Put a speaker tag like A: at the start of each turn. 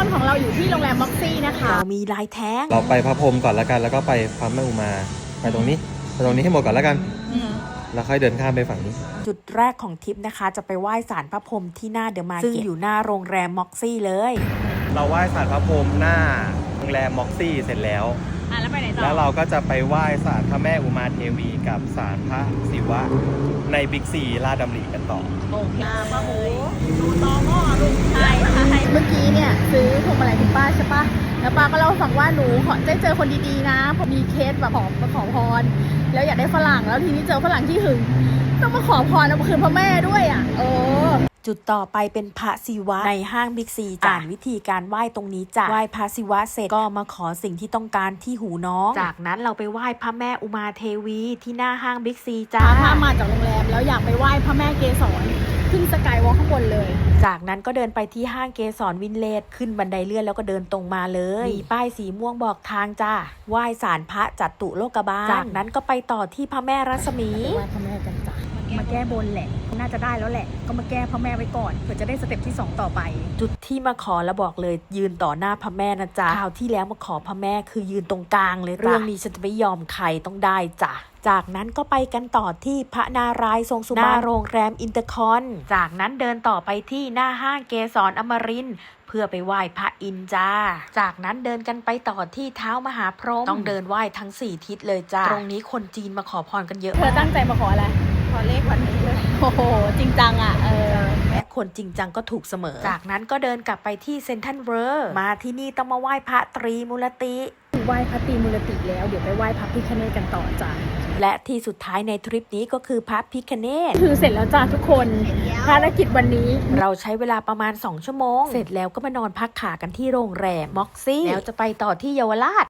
A: ของเราอยู่ที่โรงแรมม็อกซี่นะคะ
B: เรามีลายแท้ง
C: เราไปพระพรหมก่อนแล้วกันแล้วก็ไปพระแม่อุมาไปตรงนี้ให้หมดก่อนแล้วกันแล้วค่อยเดินข้ามไปฝั่งนี้
B: จุดแรกของทริปนะคะจะไปไหว้ศาลพระพรหมที่หน้าเดอะมาร์เก็ตซึ่งอยู่หน้าโรงแรมม็อกซี่เลย
C: เราไหว้ศาลพระพรหมหน้าโรงแรมม็อกซี่เสร็จแล้ว
A: แล้วไปไหนต่อ
C: แล้วเราก็จะไปไหว้ศาลพระแม่อุมาเทวีกับศาลพระศิวะในบิ๊กซีลาดดำริกันต่อ
A: โอเคป้าหมูดูตอง้อลูกใช่เมื่อกี้เนี่ยซื้อพวงมาลัยคุณป้าใช่ปะแล้วป้าก็เล่าฟังว่าหนูขอได้เจอคนดีๆนะพอมีเคสแบบขอพรแล้วอยากได้ฝรั่งแล้วทีนี้เจอฝรั่งที่หึงต้องมาขอพรเอามาคืนพ่อแม่ด้วยอ่ะ
B: จุดต่อไปเป็นพระศิวะในห้างบิ๊กซีอ่านวิธีการไหว้ตรงนี้จ้ะไหว้พระศิวะเสร็จก็มาขอสิ่งที่ต้องการที่หูน้องจากนั้นเราไปไหว้พระแม่อุมาเทวีที่หน้าห้างบิ๊กซีจ้า
A: ถ้ามาจากโรงแรมแล้วอยากไปไหว้พระแม่เกศรขึ้นสกายวอล์กข้างบนเลย
B: จากนั้นก็เดินไปที่ห้างเกสรวินเลจขึ้นบันไดเลื่อนแล้วก็เดินตรงมาเลยมีป้ายสีม่วงบอกทางจ้าไหว้ศาลพระจัตุโลกบาลจากนั้นก็ไปต่อที่พระแม่รัศมี
A: ไหว้พระแม่กันจ้ะมาแก้บนแหละน่าจะได้แล้วแหละก็มาแก้พ่อแม่ไว้ก่อนเผื่อจะได้สเต็ปที่2ต่อไป
B: จุดที่มาขอแล้วบอกเลยยืนต่อหน้าพระแม่นะจ๊ะคราวที่แล้วมาขอพระแม่คือยืนตรงกลางเลยเรื่องนี้ฉันจะไม่ยอมใครต้องได้จ้ะจากนั้นก็ไปกันต่อที่พระนารายณ์ทรงสุบรรณหน้าโรงแรมอินเตอร์คอนจากนั้นเดินต่อไปที่หน้าห้างเกสรอมรินทร์เพื่อไปไหว้พระอินทร์จ้าจากนั้นเดินกันไปต่อที่เท้ามหาพรหมต้องเดินไหว้ทั้ง4ทิศเลยจ้าตรงนี้คนจีนมาขอพรกันเยอะ
A: เธอตั้งใจมาขออะไรขอเลขวันนี้เลยโอ้โหจริงจังอ่ะ
B: และคนจริงจังก็ถูกเสมอจากนั้นก็เดินกลับไปที่เซ็นทรัลเวิลด์มาที่นี่ต้องมาไหว้พระตรีมูลติ
A: ไหว้พระตรีมูลติแล้วเดี๋ยวไปไหว้พระพิฆเนศกันต่อจ้ะ
B: และที่สุดท้ายในทริปนี้ก็คือพระพิฆเนศ
A: คือเสร็จแล้วจ้ะทุกคนภารกิจวันนี้
B: เราใช้เวลาประมาณ2 ชั่วโมงเสร็จแล้วก็มานอนพักขากันที่โรงแรมม็อกซี่แล้วจะไปต่อที่เยาวราช